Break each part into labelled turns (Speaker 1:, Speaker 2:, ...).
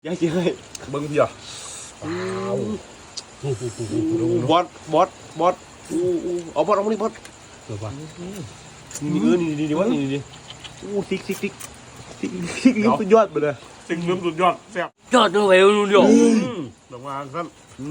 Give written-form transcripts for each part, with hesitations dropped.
Speaker 1: ยายเจ๊เลยเบิ้งพี่อ่ะบอสเอาบอสเอามาดิบอสนี่วะนี่ซิกสุดยอดไปเลยสิ่งเริ่มสุดยอดแซ่บ
Speaker 2: ยอดด้วยนู่นเดียว
Speaker 1: ลงมาสั้น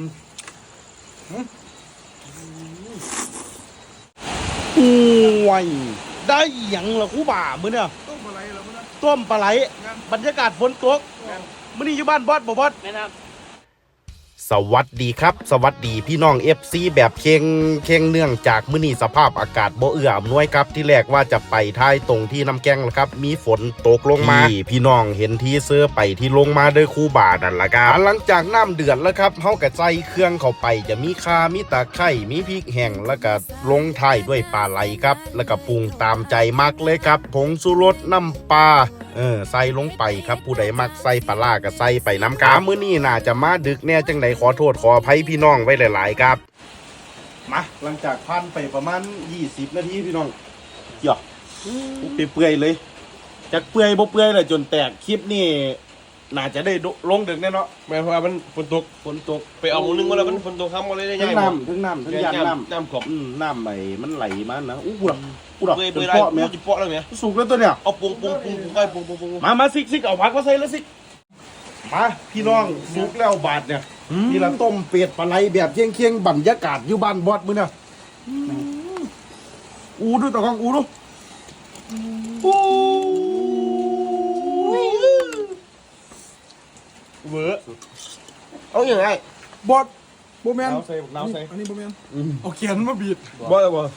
Speaker 3: โอ้ยได้หยังล่ะคู่บ่ามื้อเนี่ยต้มปลาไหลบรรยากาศฝนตกมื้อนี้อยู่บ้านบอสบ่บอส
Speaker 2: แม่น้ำ
Speaker 4: สวัสดีครับสวัสดีพี่น้อง FC แบบเค็งเนื่องจากมื้อนี้สภาพอากาศบ่เอื้ออำนวยครับที่แรกว่าจะไปท้ายตรงที่น้ำแกงแล้วครับมีฝนตกลงมาพี่น้องเห็นที่เสื้อไปที่ลงมาด้วยคู่บานั่นล่ะครับหลังจากน้ำเดือดแล้วครับเฮาก็ใส่เครื่องเข้าไปจะมีข่ามีตะไคร้มีพริกแห้งแล้วก็ลงท้ายด้วยปลาไหลครับแล้วก็ปรุงตามใจมักเลยครับผงชูรสน้ำปลาใส่ลงไปครับผู้ใดมักใส่ปลาร้าก็ใส่ไปน้ำกามื้อนี้น่าจะมาดึกแน่จังไดขอโทษขออภัยพี่น้องไว้หลายๆครับ
Speaker 3: มาหลังจากผ่านไปประมาณ20นาทีพี่น้องหยอกเปื่อยเลยจากเปื่อยบ่เปื่อยเลยจนแตกคลิปนี่น่าจะได้ลงดึกแน่เนาะ
Speaker 1: แม่เพราะว่ามันฝนตกไปเอานึงว่าแล้วมันฝนตกครับมาเลยได้ยังไง
Speaker 3: ทั้งน้ำยาง
Speaker 1: น้ำขอบ
Speaker 3: น้ำไหลมันไหลมานะอู้หู
Speaker 1: เปื่อยไรกูจะเปาะแล้วเนี่ย
Speaker 3: สุกแล้วตัวเนี่ย
Speaker 1: เอาปรุง
Speaker 3: มาซิกเอาผักมาใส่แล้วซิกมาพี่น้องสุกแล้วบาดเนี่ยนี่ละต้มเป็ดปลาไหลแบบเคียงบรรยากาศอยู่บ้านบอสมื้อเนี่ยดูตะกองดู
Speaker 1: เวอเอาอย่างไร
Speaker 3: บอสโบแมน
Speaker 1: น้ำใส่
Speaker 3: อันนี้โบแมนเอาเขียนมาบีด
Speaker 1: บอสอะไรบอส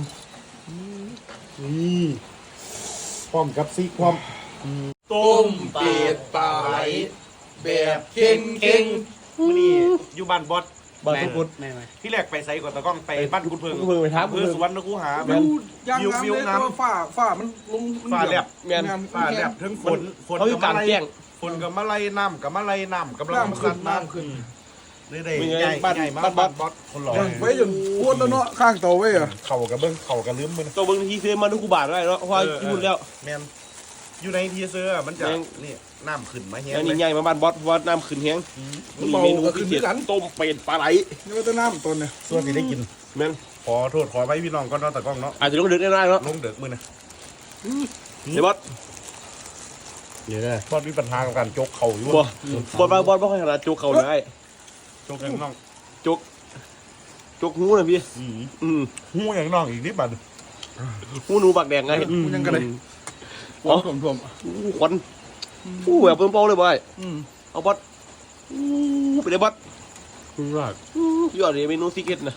Speaker 3: นี่ความกับซีความ
Speaker 1: ต้มเป็ดปลาไหลแบบเค็งนี่อยู่บ้านบอส
Speaker 3: บ้านทุกคน
Speaker 1: ที่แรกไปไซก่อนตะก้องไปบ้านคุณเพิ่ง
Speaker 3: ไปทับ
Speaker 1: เพื่อสวรรค์นะกูหา
Speaker 3: วิวน้ำฝ้ามันลง
Speaker 1: ฝ้าแลบฝ้าแลบทั้งฝน
Speaker 2: เขาอยู่กลางแจ้ง
Speaker 1: ฝนกับมะไรน้ำกับมะไรน้ำกับเรา
Speaker 3: น้ำขึ้น
Speaker 1: ได้ใหญ่บ้านบอสคนหล่อ
Speaker 3: ไว้จนปวดแล้วเนาะข้างเตาไว้อะ
Speaker 1: เข่ากับเบิ้งเข่ากับลืมมัน
Speaker 2: ตัวเบิ้งที่เซมาดูกูบาดได้แล้วเพราะว่าพูดแล้ว
Speaker 1: แมนอยู่ในทีเซอร์มันจะนี่น้ำขึ้นมาเฮี้ย
Speaker 2: นี่ใหญ่มาบ้านบอสว่าน้ำขึ้นเฮี้ยง
Speaker 3: มีเมนูพิเศษ
Speaker 2: ต้มเป็ดปลาไหล
Speaker 3: นี่ว่าต้นน้ำต้นเนี่ย
Speaker 1: ส่วนที่ได้กินแมนขอโทษขอไปพี่น้องก็นอนตะก้องเนาะ
Speaker 2: อาจจะลงเดือดได้เนาะ
Speaker 1: ลงเดือดมือนะ
Speaker 2: เดี๋ยวบอส
Speaker 1: เดี๋ยวนะบอสมีปัญหากับการโจกเข่าอยู่
Speaker 2: บอสไม่ค่อยขนาดโจกเข่าเลย
Speaker 1: โจกอย่างน้อง
Speaker 2: โจกหูเลยพี่
Speaker 1: หูอย่างน้องอีกนิดบัด
Speaker 2: หูหนูปากแดงไง
Speaker 3: ยังกันเลยท่วม
Speaker 2: ควันแบบเพิ่มเป้าเลยบอยเอาบอสไปเลยบอสยอดเลยเมนูซิกเก็ตนะ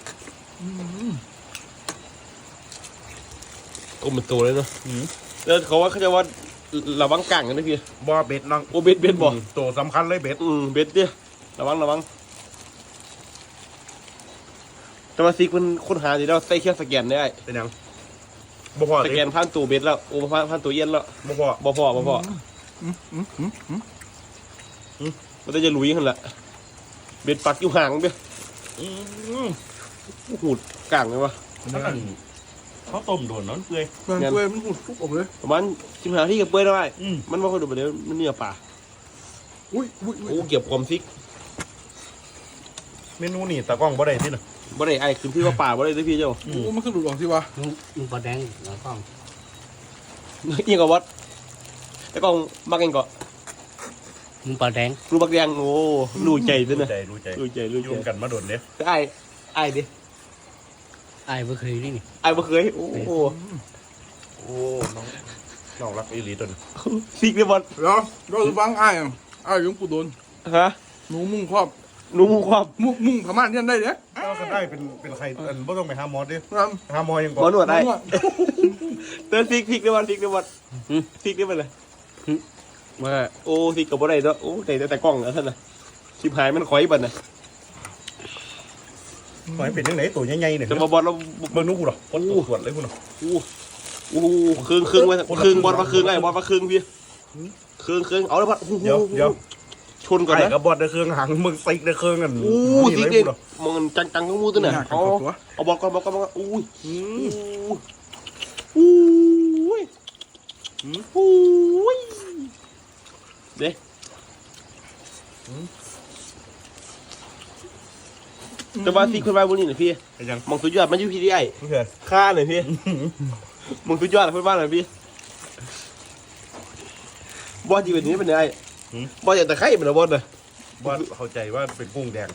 Speaker 2: ต้มเป็นตัวเลยเนาะแล้วเขาว่าเขาจะว่าระวังกังกันนะพี่
Speaker 1: บอเบ็ดน้อง
Speaker 2: โอเบ็ดบ่
Speaker 1: ตัวสำคัญเลยเบ็ด
Speaker 2: เบ็ดเนี่ยระวังแต่ว่าซิกมันค้นหาดีแล้วใส่เครื่องสแกนได้
Speaker 1: เป็นยังบ่พอ
Speaker 2: สแกนผ่านตู้เบ็ดแล้วโอ้ผ่านตู้เย็นแล้ว
Speaker 1: บ่พอ
Speaker 2: มันจะลุยขึ้นละเบ็ดปักอยู่ห่างเบี้ยหูดกลางเลยวะ
Speaker 1: เขาต้มโดนน้ำเปื่อย
Speaker 3: มันหูดทุกออกเลย
Speaker 2: ประมาณ15ที่กับเปื่อยได้มันว่าเขาดูแบบนี้มันเนื้อปลาโอ้เก็บความซิก
Speaker 1: เมนูนี่ตะก้องบ่ได้ที่น่ะ
Speaker 2: บ่ได้ไอ้คือพี่ว่าป่าบ่ได้ด้วยพี่เจ้า
Speaker 3: มันคือหลุดออกสิวะ
Speaker 2: มึงปลาแดงแล้วก็ยังกับวัดแล้วก็มักเองก็มึงปลาแดงรู้ปลาแดงโอ้รู้ใจด้วยนะ
Speaker 1: รู้ใจยุ่งกันมาโดนเนี่ย
Speaker 2: ไอ้ดิไอ้บ่เคยนี่ไอ้บ่เคยโอ้
Speaker 1: น้องรักอีหลีตน
Speaker 2: ซิกเลยบอล
Speaker 3: เหรอก็คือฟังไอ้ยังปูโดน
Speaker 2: ฮะ
Speaker 3: หนูมุ่งครอบมุ่งพม่าเนี่ยได้เนี่ย
Speaker 1: ก็ได้เป็นใครไม่ต้องไปหาหมอดิหาหมอยัง
Speaker 2: ก่อนหมอหนวดได้เตือนซิกเลยบอลซิกได้ไปเลยมาโอ้ซิกกับบ่ได้ด้วยโอ้แต่กล้องนะท่านน่ะชิบหายมันคอยบัดน่ะ
Speaker 1: คอยเป็นยังไงตัวใหญ่ๆเนี่ย
Speaker 2: จะมาบอลเรา
Speaker 1: เบิ่งนู้กูหรอคนตรวจเลยกูหรอ
Speaker 2: ครึ่งไว้ครึ่งบอลมาครึ่งไอ้บอลมาครึ่งพี่ครึ่งเอาเลยบอล
Speaker 1: เดี๋ยว
Speaker 2: ชนก่อนนะ
Speaker 1: กับบอดในเครื่องหางมึงซิกในเครื่องกัน
Speaker 2: ซิกเด็ดมันจังก็มูตัวเนี่ยเอาบอลก่อนอุ้ยเด็แต่ว่าซีคนมาบุญนี่หน่อยพี่
Speaker 3: เป็นยัง
Speaker 2: มองสุดยอดมันอยู่พี่ที่ไอ้
Speaker 3: โอเค
Speaker 2: ค่าหน่อยพี่มองสุดยอดคนบ้านหน่อยพี่บอสจีเป็นนี้เป็นไงบอสอย่างตะไคร้เป็นบอสเลย
Speaker 3: ว่าเข้าใจว่าเป็นกุ้งแดง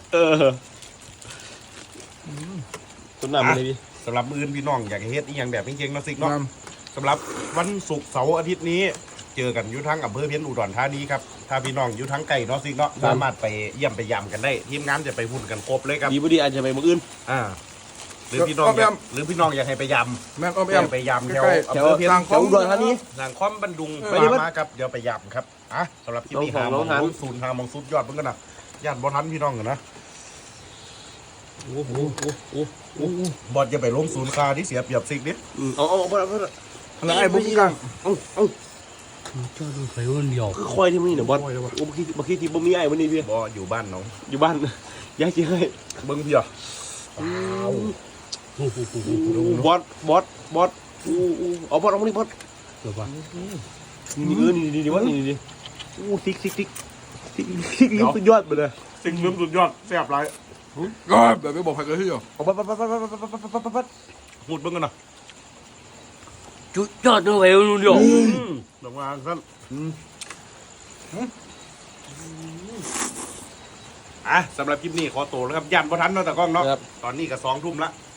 Speaker 2: ต้นน้ำมันเลยพี่
Speaker 3: สำหรับมื้อพี่น้องอยากเฮ็ดอีหยังแบบเก่งๆเนาะซิกเนาะสำหรับวันศุกร์เสาร์อาทิตย์นี้เจอกันอยู่ทั้งอำเภอเพียนอุดรธานีครับถ้าพี่น้องอยู่ทั้งไก่เนาะซิกเนาะสามารถไปเยี่ยมไปยำกันได้ทีมงานจะไปหุ่นกันครบเลยครับ
Speaker 2: ดีพอดีอาจจะไปมืออื่น
Speaker 3: หรือพี่น้องอยากให้ไปย
Speaker 1: แม่งอ้อม
Speaker 3: ำ
Speaker 1: แอม
Speaker 3: ไปยำแถว
Speaker 1: ใกล้
Speaker 3: อำเภอเพียน
Speaker 1: ทางค
Speaker 2: แถวอุดรธานี
Speaker 3: ทางคอมบันดุง
Speaker 2: ไปดิ
Speaker 3: มาครับเดี๋ยวไปยำครับสำหรับคลิปนี้
Speaker 2: น้อง
Speaker 3: หา
Speaker 2: ของน้อง
Speaker 3: มองศูนย์หามองสุดยอดเพิ่งกันนะญาติบอทันพี่น้องกันนะ
Speaker 2: โอ้โห
Speaker 3: บอลจะไปลงศูนย์คาที่เสียเปรียบซิกนิด
Speaker 2: เอาเพื่อน
Speaker 1: แล้วไอ้บุ้งกัง
Speaker 5: เจ้าดูไฟมันเดียว
Speaker 2: คือคอยที่มันนี่เนี่ยบอสโอ้บางทีที่บ่มีไอ้วันนี้พี่
Speaker 3: บออยู่บ้านน้อง
Speaker 2: อยู่บ้านย้ายที่ให้
Speaker 3: เบิ้งพี่อ่ะ
Speaker 2: บอสเอาบอสเอามาดิบอส
Speaker 5: เดี๋ยวว่า
Speaker 2: นี่ว่านี่ซิกลิ้นสุดยอดไปเลย
Speaker 3: สิ่งลืมสุดยอดแซ่บไร
Speaker 1: ก็แบบไม่บอกใครก็ที่อยู่
Speaker 2: เอาปัด
Speaker 3: พูดเบิ้งกันนะ
Speaker 5: จุดยอดดูไฟมันเดียว
Speaker 3: ลงมาสั้นสำหรับคลิปนี้ขอตัวแล้วครับยันบอทันเนาะแต่กล้องเนาะตอนนี้ก็2 ทุ่มละ